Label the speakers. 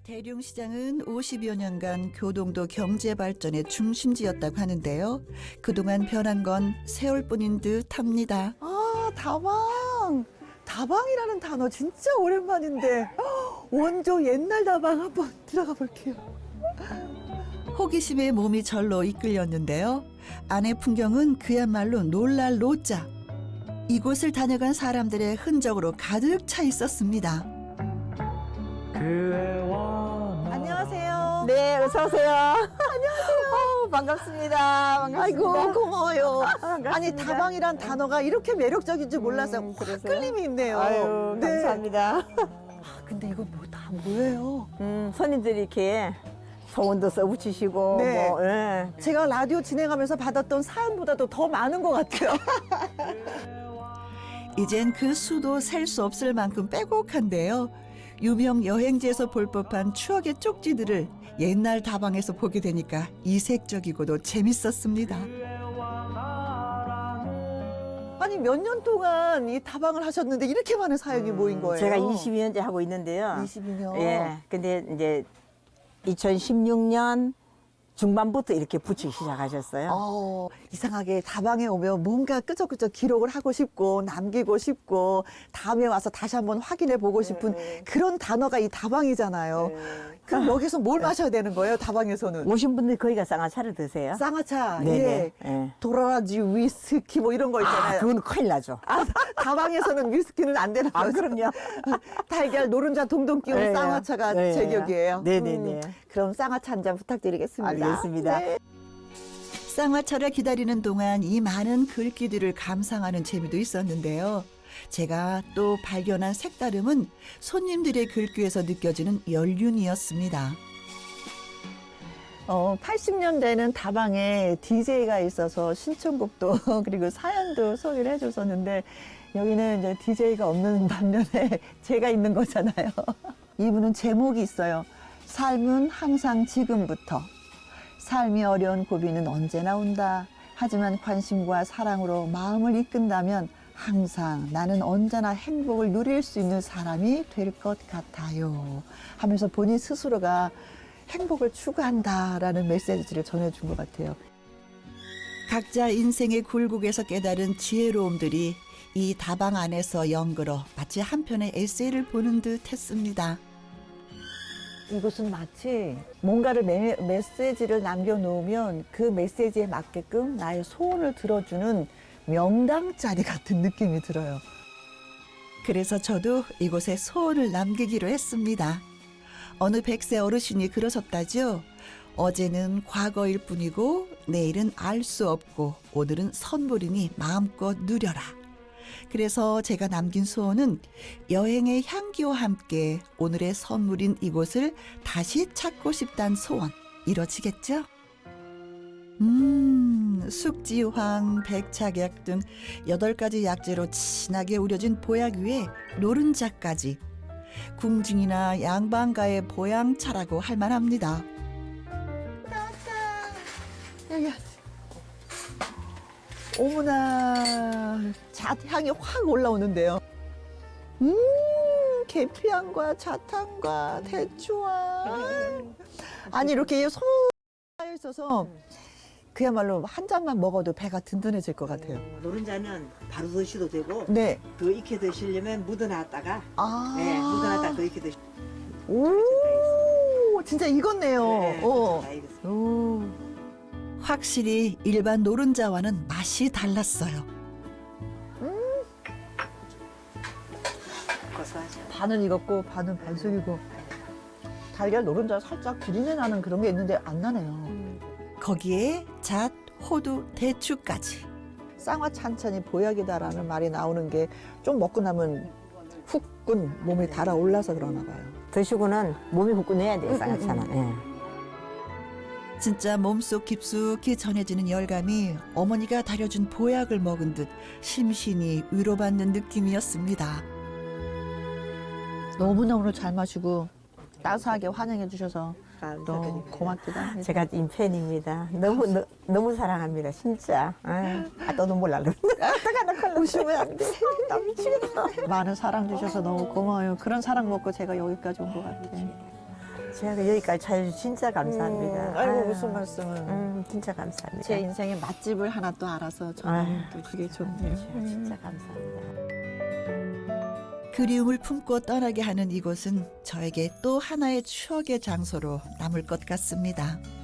Speaker 1: 대룡시장은 50여 년간 교동도 경제 발전의 중심지였다고 하는데요. 그동안 변한 건 세월뿐인 듯합니다.
Speaker 2: 아, 다방. 다방이라는 단어 진짜 오랜만인데 원조 옛날 다방 한번 들어가 볼게요.
Speaker 1: 호기심에 몸이 절로 이끌렸는데요. 안의 풍경은 그야말로 놀랄 노자. 이곳을 다녀간 사람들의 흔적으로 가득 차 있었습니다.
Speaker 2: 안녕하세요.
Speaker 3: 네, 어서 오세요. 안녕하세요. 반갑습니다. 반갑습니다.
Speaker 2: 아이고, 고마워요.
Speaker 3: 반갑습니다.
Speaker 2: 아니, 다방이란 단어가 이렇게 매력적인 줄 몰라서 확
Speaker 3: 그래서요?
Speaker 2: 끌림이 있네요.
Speaker 3: 아유,
Speaker 2: 네.
Speaker 3: 감사합니다.
Speaker 2: 근데 이거 다 뭐예요?
Speaker 3: 손님들이 이렇게 소원도 써붙이시고,
Speaker 2: 네.
Speaker 3: 뭐, 예.
Speaker 2: 제가 라디오 진행하면서 받았던 사연보다도 더 많은 것 같아요.
Speaker 1: 이젠 그 수도 셀 수 없을 만큼 빼곡한데요. 유명 여행지에서 볼 법한 추억의 쪽지들을 옛날 다방에서 보게 되니까 이색적이고도 재밌었습니다.
Speaker 2: 아니, 몇 년 동안 이 다방을 하셨는데 이렇게 많은 사연이 모인 거예요?
Speaker 3: 제가 22년째 하고 있는데요.
Speaker 2: 22년.
Speaker 3: 예. 근데 이제 2016년 중반부터 이렇게 붙이기 시작하셨어요.
Speaker 2: 이상하게 다방에 오면 뭔가 끄적끄적 기록을 하고 싶고 남기고 싶고 다음에 와서 다시 한번 확인해 보고 싶은 그런 단어가 이 다방이잖아요. 그럼 여기서 뭘 마셔야 되는 거예요, 다방에서는?
Speaker 3: 오신 분들이 거기가 쌍화차를 드세요.
Speaker 2: 쌍화차,
Speaker 3: 네네.
Speaker 2: 예.
Speaker 3: 예.
Speaker 2: 도라지, 위스키 뭐 이런 거 있잖아요.
Speaker 3: 그건 큰일 나죠.
Speaker 2: 다방에서는 위스키는 안 되는 거죠.
Speaker 3: 그럼요.
Speaker 2: 달걀, 노른자 동동 끼운
Speaker 3: 네.
Speaker 2: 쌍화차가
Speaker 3: 네.
Speaker 2: 제격이에요.
Speaker 3: 네네네.
Speaker 2: 그럼 쌍화차 한 잔 부탁드리겠습니다.
Speaker 3: 알겠습니다.
Speaker 2: 네.
Speaker 1: 쌍화차를 기다리는 동안 이 많은 글귀들을 감상하는 재미도 있었는데요. 제가 또 발견한 색다름은 손님들의 글귀에서 느껴지는 연륜이었습니다.
Speaker 2: 80년대는 다방에 DJ가 있어서 신청곡도 그리고 사연도 소개를 해줬었는데 여기는 이제 DJ가 없는 반면에 제가 있는 거잖아요. 이분은 제목이 있어요. 삶은 항상 지금부터. 삶이 어려운 고비는 언제나 온다. 하지만 관심과 사랑으로 마음을 이끈다면 항상 나는 언제나 행복을 누릴 수 있는 사람이 될 것 같아요. 하면서 본인 스스로가 행복을 추구한다라는 메시지를 전해준 것 같아요.
Speaker 1: 각자 인생의 굴곡에서 깨달은 지혜로움들이 이 다방 안에서 연걸어 마치 한 편의 에세이를 보는 듯 했습니다.
Speaker 2: 이곳은 마치 뭔가를 메시지를 남겨놓으면 그 메시지에 맞게끔 나의 소원을 들어주는 명당 자리 같은 느낌이 들어요.
Speaker 1: 그래서 저도 이곳에 소원을 남기기로 했습니다. 어느 100세 어르신이 그러셨다죠. 어제는 과거일 뿐이고 내일은 알 수 없고 오늘은 선물이니 마음껏 누려라. 그래서 제가 남긴 소원은 여행의 향기와 함께 오늘의 선물인 이곳을 다시 찾고 싶다는 소원. 이뤄지겠죠? 숙지황, 백착약 등 8가지 약재로 진하게 우려진 보약 위에 노른자까지. 궁중이나 양반가의 보양차라고 할 만합니다.
Speaker 2: 여기 어머나 잣향이 확 올라오는데요. 계피향과 잣향과 대추향. 아니 이렇게 소 쌓여 있어서 그야말로 한 잔만 먹어도 배가 든든해질 것 같아요.
Speaker 3: 노른자는 바로 드셔도 되고
Speaker 2: 네.
Speaker 3: 더 익혀 드시려면 묻어놨다가
Speaker 2: 아.
Speaker 3: 묻어놨다가 더 익혀 드시.
Speaker 2: 오, 진짜 익었네요.
Speaker 3: 네, 다 익었어요.
Speaker 2: 오.
Speaker 1: 확실히 일반 노른자와는 맛이 달랐어요.
Speaker 3: 고소하죠.
Speaker 2: 반은 익었고 반은 반숙이고 달걀 노른자 살짝 비린내 나는 그런 게 있는데 안 나네요.
Speaker 1: 거기에 잣, 호두, 대추까지.
Speaker 2: 쌍화차 한 찬이 보약이다라는 말이 나오는 게 좀 먹고 나면 후끈 몸이 달아올라서 그러나 봐요.
Speaker 3: 드시고는 몸이 후끈해야 돼요, 쌍화차는. 예.
Speaker 1: 진짜 몸속 깊숙이 전해지는 열감이 어머니가 다려준 보약을 먹은 듯 심신이 위로받는 느낌이었습니다.
Speaker 2: 너무나 오늘 잘 마시고 따스하게 환영해 주셔서 너무
Speaker 3: 감사드립니다.
Speaker 2: 고맙기도 합니다.
Speaker 3: 제가 인팬입니다. 너무 사랑합니다, 진짜. 또 눈물 날라.
Speaker 2: 오시면 안 돼. 나 미치겠다. 많은 사랑 주셔서 너무 고마워요. 그런 사랑 먹고 제가 여기까지 온 것 같아요.
Speaker 3: 제가 여기까지 찾아주셔서 진짜 감사합니다.
Speaker 2: 아이고
Speaker 3: 아유,
Speaker 2: 무슨 말씀을.
Speaker 3: 진짜 감사합니다.
Speaker 2: 제 인생의 맛집을 하나 또 알아서 저는
Speaker 3: 아유,
Speaker 2: 또 그게 좋네요.
Speaker 3: 진짜 감사합니다.
Speaker 1: 그리움을 품고 떠나게 하는 이곳은 저에게 또 하나의 추억의 장소로 남을 것 같습니다.